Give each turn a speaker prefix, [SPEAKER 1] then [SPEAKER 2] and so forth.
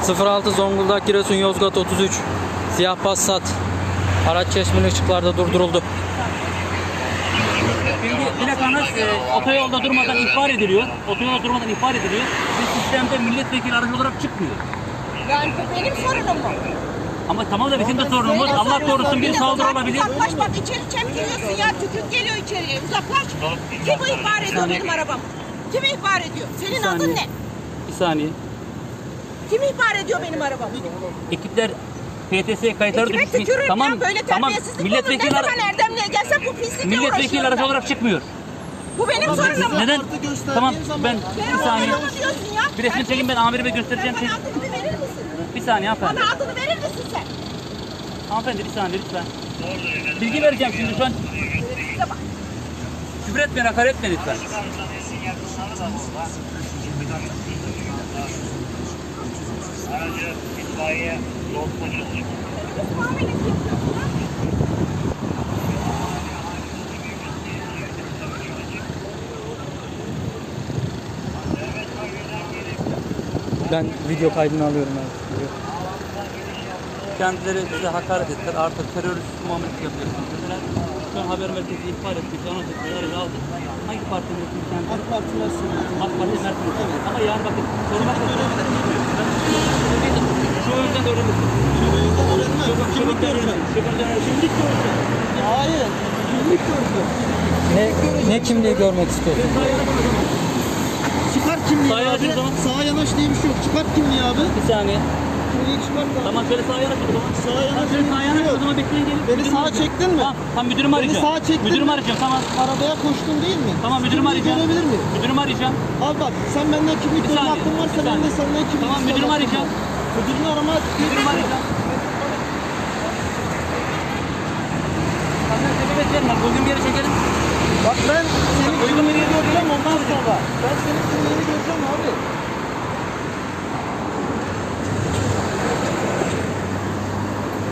[SPEAKER 1] 06 Zonguldak Giresun Yozgat 33 siyah Passat araç çeşmeli ışıklarda durduruldu.
[SPEAKER 2] Şimdi plakanız otoyolda durmadan ihbar ediliyor. Otoyolda durmadan ihbar ediliyor. Ve sistemde milletvekili aracı olarak çıkmıyor.
[SPEAKER 3] Yani bu benim sorunum mu?
[SPEAKER 2] Ama tamam da bizim de sorunumuz. Allah korusun bir saldırı olabilir.
[SPEAKER 3] Uzaklaş bak, içeri çemkiriyorsun ya, tükürük geliyor içeriye, uzaklaş. Kim bu ihbar ediyor benim arabam? Kim ihbar ediyor? Senin adın ne?
[SPEAKER 2] Bir saniye.
[SPEAKER 3] Kim ihbar ediyor benim arabamı?
[SPEAKER 2] Ekipler PTS kayıtları
[SPEAKER 3] Kime
[SPEAKER 2] düşmüş.
[SPEAKER 3] tükürürüm
[SPEAKER 2] Tamam,
[SPEAKER 3] ya, böyle
[SPEAKER 2] tamam.
[SPEAKER 3] terbiyesizlik olur. Ne
[SPEAKER 2] Milletvekili,
[SPEAKER 3] zaman Erdemli'ye gelsem bu pislikle
[SPEAKER 2] milletvekili
[SPEAKER 3] uğraşıyorum
[SPEAKER 2] aracı
[SPEAKER 3] ben.
[SPEAKER 2] olarak çıkmıyor.
[SPEAKER 3] Bu benim sorunum mu?
[SPEAKER 2] Neden? Tamam ben
[SPEAKER 3] Sen
[SPEAKER 2] bir saniye.
[SPEAKER 3] oğlum diyorsun ya.
[SPEAKER 2] Bir resmi çekin, ben amirime göstereceğim.
[SPEAKER 3] Sen bana adını bir verir misin?
[SPEAKER 2] Bir saniye hanımefendi.
[SPEAKER 3] Bana adını verir misin sen?
[SPEAKER 2] Hanımefendi bir saniye lütfen. Bilgi vereceğim şimdi şu an.
[SPEAKER 3] Size bak.
[SPEAKER 2] Küfür etmeyin, hakaret etmeyin lütfen.
[SPEAKER 4] Aracı itfaiye yol polisi.
[SPEAKER 1] Ben video kaydını alıyorum abi.
[SPEAKER 2] Kendileri bize hakaret ettiler. Artık terörist muamelesi yapıyorsunuz. Mesela şu an haber merkezi ihbar ettik. Anons ettik. Aracı aldık. Hangi parti mensubuyuz kendisi?
[SPEAKER 5] AK Parti Mersin.
[SPEAKER 2] AK Parti mensubuyuz. Ama yani bakın sormak da şu yüzden öğrenirsin.
[SPEAKER 5] Kimlik göreceğim. Kimlik göreceğim. Hayır. Kimlik göreceğim.
[SPEAKER 1] Ne kimliği görmek istiyorsun?
[SPEAKER 5] Çıkar kimliği
[SPEAKER 2] Sağa yanaş
[SPEAKER 5] abi.
[SPEAKER 2] o zaman.
[SPEAKER 5] Sağa yanaş diye bir şey yok. Çıkar kimliği abi.
[SPEAKER 2] Bir saniye.
[SPEAKER 5] Kimliği çıkart abi.
[SPEAKER 2] Tamam şöyle sağa yanaş o zaman.
[SPEAKER 5] Sağa yanaş
[SPEAKER 2] Şöyle
[SPEAKER 5] diye
[SPEAKER 2] sağa
[SPEAKER 5] bir şey
[SPEAKER 2] yanaş o
[SPEAKER 5] yok.
[SPEAKER 2] zaman, bekleyin gelin.
[SPEAKER 5] Beni
[SPEAKER 2] Müdürümü
[SPEAKER 5] sağa
[SPEAKER 2] arayacağım.
[SPEAKER 5] çektin mi?
[SPEAKER 2] Tamam müdürümü arayacağım.
[SPEAKER 5] sağa çektin
[SPEAKER 2] Müdürümü
[SPEAKER 5] mi?
[SPEAKER 2] arayacağım, tamam.
[SPEAKER 5] Arabaya koştun değil mi?
[SPEAKER 2] Tamam müdürümü
[SPEAKER 5] Kimliği
[SPEAKER 2] arayacağım.
[SPEAKER 5] görebilir miyim?
[SPEAKER 2] Müdürümü arayacağım.
[SPEAKER 5] Abi bak, sen benden kimlik
[SPEAKER 2] Bir
[SPEAKER 5] görme
[SPEAKER 2] saniye,
[SPEAKER 5] hakkın varsa
[SPEAKER 2] bir
[SPEAKER 5] ben de
[SPEAKER 2] saniye.
[SPEAKER 5] senden kimlik
[SPEAKER 2] Tamam,
[SPEAKER 5] isteme
[SPEAKER 2] müdürümü
[SPEAKER 5] hakkım
[SPEAKER 2] arayacağım.
[SPEAKER 5] var. Müdürünü arama.
[SPEAKER 2] Müdürümü arayacağım. Sana sebebiyet verme. Bugün bir yere çekelim.
[SPEAKER 5] Bak ben senin
[SPEAKER 2] Uygun bir yere
[SPEAKER 5] kimliğini göreceğim ondan sonra. Ben senin kimliğini göreceğim abi.